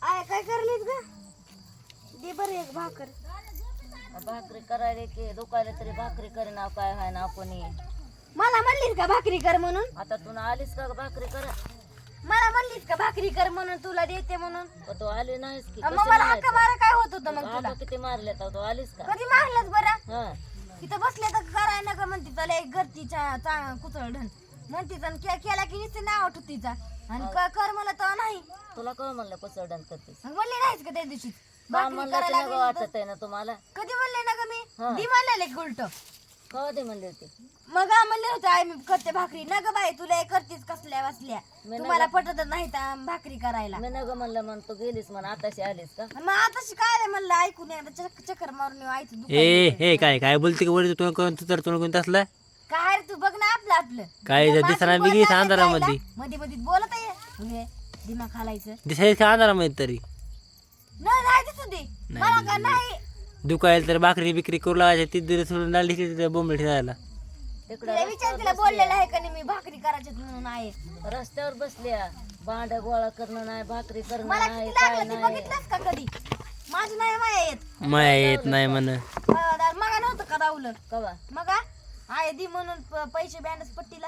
I काय करलीस ग? दे बरं एक भाकर. भाकरी करायला की दुखायला तरी भाकरी करे नाव काय हाय ना कोणी. मला म्हणलीस का भाकरी कर म्हणून? आता तू आलीस का भाकरी करा? मला म्हणलीस का भाकरी कर म्हणून तुला देते म्हणून? तू आली नाहीस की मग मला हक्का मारा काय होत होतं मग तुला? किती मारले तू आलीस का? कधी मारलंच बरं? हा इथं बसले तर कराय नका म्हणते त्याला एक घरतीच्या कुचळ ढण म्हणते केला की नुसते नाव आठवत तिचा आणि कर मला तर नाही. तुला काय म्हणलं पसडण करतेस? मग म्हणले नाहीस का त्या दिवशी भाकरी म्हणलं करायला तुला वाटत आहे ना तुम्हाला? कधी म्हणले ना का मी दी म्हणलेले उलट कवा ते म्हणले होते? मग म्हणले होते आई मी करते भाकरी न ग बाई तुला करतेच कसल्या बसल्या तुम्हाला पटतच नाही तर भाकरी करायला. मी नग म्हणलं म्हण तू गेलीस म्हण आताशी आलीस का? मग आताशी काय म्हणलं ऐकून एकदा चक्कर मारून आईचं ए हे काय काय बोलते का वरती तू कोण तर तू कोण तसला काय रे तू बघ ना आपलं आपलं काय दिसणार मी गेली अंधारामध्ये मध्ये मध्ये बोलत आहे तुले दिमाग खालायचं दिसायच का अंधारामध्ये तरी नाही नाही दिसू दे मला का नाही दुखायला तर भाकरी बिक्री करू लागायची ती दिवस सोडून आली तिथे बोंबले ठेवायला. तिला विचार तिला बोललेलं आहे का नाही मी भाकरी करायची म्हणून आहे. रस्त्यावर बसल्या भांड गोळा करणं नाही भाकरी करणं मला नाही किती काय लागलं ते नाही. बघितलंस का कधी? माझी नाही माया येत माया येत नाही म्हण मगा नव्हतं का राहुलं कवा मगा आहे दी म्हणून पैसे बँडच पट्टीला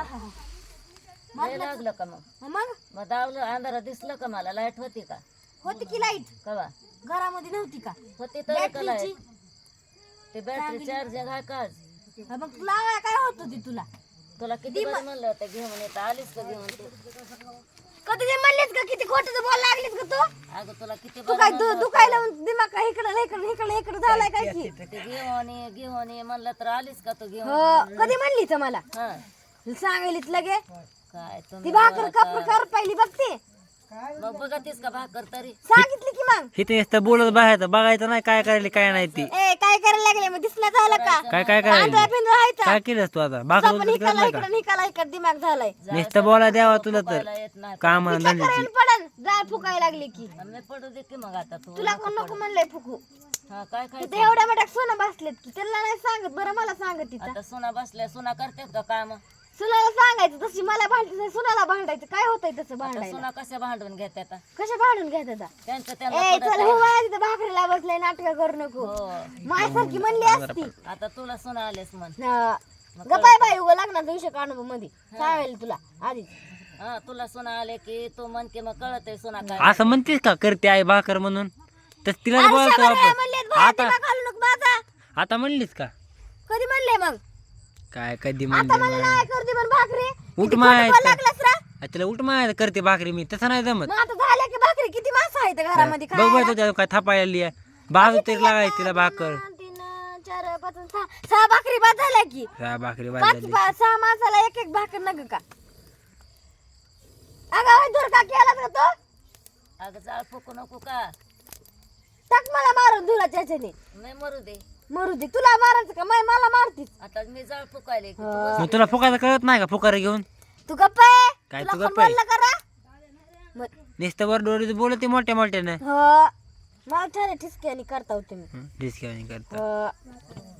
लय लागलं का मग? मग दावलं अंधारात दिसलं का मला? लाईट होती का? होती की लाईट कवा घरामध्ये नव्हती का? होती तर का बॅटरीची लाईट? ते बॅटरी चार्जिंग आहे का आज? मग तुला काय होत होती तुला? तुला किती बरं म्हणलं होतं घेऊन येतं आलीस का घेऊन तू? कधी ते म्हणलेस का किती खोटं बोलायला लागलीस का तू? अगं तुला किती तू बरं काय म्हणलं दुखायला दिमाग काय इकडं झालाय काय की? होतं? ते घेऊन ये म्हणलं तर आलीस का तू घेऊन? हो कधी म्हणली तर मला हा सांगायलीच लगे काय ती तुम्ही भाकर कर पहिली बघते मग बघतीस का भाकर तरी? सांगितली की मग इथे नुसतं बोलत बाहेर बघायचं नाही काय करायला काय नाही ती ए काय करायला लागले मग दिसलं झालं का? काय काय पांढरा करायला पिंजरा आहे का? काय केलंस तू आता भाकर पण बोलत हिकाला नाही का इकडं दिमाग झालाय नुसतं बोला द्यावा तुला तर मला येत नाही काम धंद्याची करायला पडन जाळ फुकायला लागली की मी पडू दे की मग आता तू. तुला कोण नको म्हणलंय फुकू हा काय काय तिथे एवढ्या मोठ्या सोनं बसलेत की त्याला नाही सांगत बरं मला सांगत तिथं आता सुना बसल्या सुना करतात का काम? सुनाला सांगायचं तशी मला भांडायचं सुनाला भांडायचं काय होतंय तसं भांडायला सुना कशा भांडून घेतात? कशा भांडून घ्यायचं त्यांचं ए त्यांना चल हो बाया तिथं भाकरीला बसलाय नाटक करू नको हो. माझ्यासारखी म्हणली असती आता तुला सुना आलेस म्हण. गपाय बाई उगा लग्नाचा विषय काढू मध्ये सांगायला तुला आधीच हा तुला सुना आले की तू म्हण की मग कळत आहे सुना काय. असं म्हणतेस का करते आई भाकर म्हणून तर तिला अरे बोलतो शाबासकी आपण म्हणलेत बाया, आता दिमाग घालू नको माझा. आता म्हणलीस का कधी म्हणले मग काय कधी आता म्हणली मला नाही करते पण भाकरी उठ किती माय खोटं बोलायला लागलास रा? तिला उठ माय करते भाकरी मी तसं नाही जमत मग आता झाल्या की भाकरी किती माणसं आहेत घरामध्ये बघ बघ तुझ्या काय थापायला बाजू तरी लागायची तिला भाकर 3 4 5 6 भाकरी बाद झाल्या की हा, भाकरी 5 वाजली 6 माणसाला एक एक भाकर नग का अगं दूर का केला का तो अगं जाळ फुकू नको का? टाक मला मारून धुराच्या ह्याच्याने नाही मरू दे. मरू दे तुला मारायचं का मला मारतीस आता मी जाळ फुकायले की तू मग तुला फुकायचं कळत नाही का फुकार घेऊन तू गप्प आहे काय तुला तू कोण गप्प आहे? बोललं का रा? नुसतं वर डोळे बोलते मोठ्या मोठ्यानं हो मला ठरे ठिसक्याने करता होते मी डिस्काउंट करता